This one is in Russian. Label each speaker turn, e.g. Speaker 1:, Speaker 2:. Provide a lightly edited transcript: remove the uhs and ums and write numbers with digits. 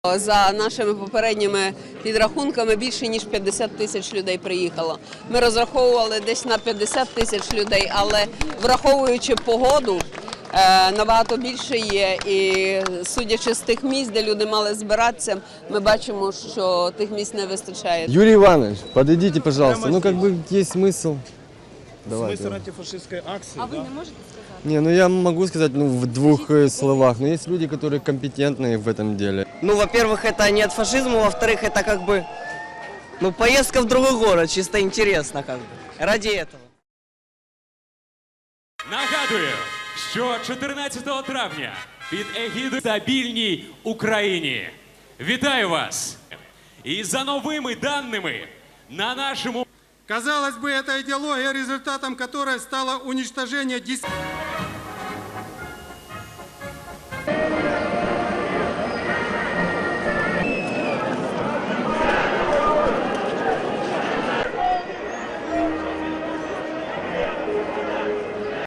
Speaker 1: За нашими попередніми підрахунками більше ніж 50 тисяч людей приїхало. Ми розраховували десь на 50 тисяч людей, але враховуючи погоду, набагато більше є. І судячи з тих місць, де люди мали збиратися, ми бачимо, що тих місць не вистачає.
Speaker 2: Юрий Иванович, подойдите, пожалуйста. Ну, как бы есть смысл. Давайте.
Speaker 3: Смысл антифашистской акции,
Speaker 4: А вы
Speaker 3: да?
Speaker 4: не можете сказать?
Speaker 2: Не, ну я могу сказать в двух словах, но есть люди, которые компетентные в этом деле.
Speaker 5: Ну, во-первых, это не от фашизма, во-вторых, это как бы, ну, поездка в другой город, чисто интересно как бы, ради этого.
Speaker 6: Нагадую, що 14 травня під егідою «Стабільній Україні». Вітаю вас! І за новими даними на нашому...
Speaker 7: Казалось бы, эта идеология, результатом которой стало уничтожение